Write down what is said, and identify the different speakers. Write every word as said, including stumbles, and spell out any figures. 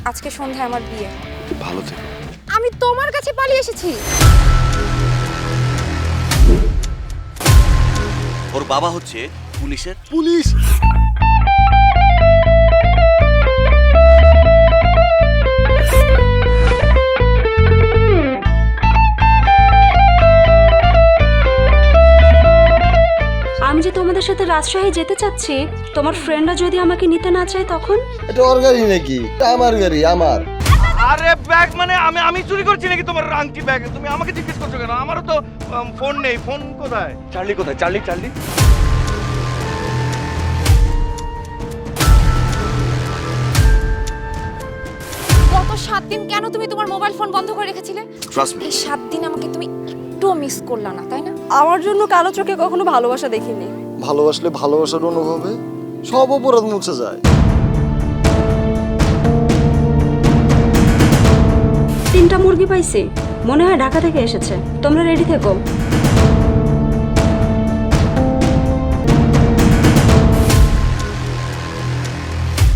Speaker 1: আজকে সন্ধ্যায় আমার বিয়ে।
Speaker 2: ভালো থেকো।
Speaker 1: আমি তোমার কাছে পালিয়ে এসেছি।
Speaker 3: ওর বাবা হচ্ছে পুলিশের
Speaker 2: পুলিশ?
Speaker 4: আমি যে তোমাদের সাথে রাজশাহী যেতে চাচ্ছি, তোমার ফ্রেন্ডরা যদি আমাকে নিতে না চায় তখন?
Speaker 2: এটা ওর গাড়ি নাকি? এটা আমার গাড়ি, আমার।
Speaker 5: আরে ব্যাগ মানে আমি আমি চুরি করছি নাকি তোমার আংটি ব্যাগ? তুমি আমাকে জিজ্ঞেস করছো কেন? আমারও তো ফোন নেই। ফোন কোথায়? চার্লি কোথায়? চার্লি চার্লি
Speaker 1: গত সাত দিন কেন তুমি তোমার মোবাইল ফোন বন্ধ করে রেখেছিলে?
Speaker 3: Trust me.
Speaker 1: এই সাত দিন আমাকে তুমি একটু মিস করলা না, তাই না?
Speaker 4: আমার জন্য কালো চোখে কখনো ভালোবাসা দেখিনি।
Speaker 2: ভালোবাসলে ভালোবাসার অনুভবে সব অপরাধ মুছে যায়।
Speaker 4: তিনটা মুরগি পাইছি, মনে হয় ঢাকা থেকে এসেছে। তোমরা রেডি থেকো।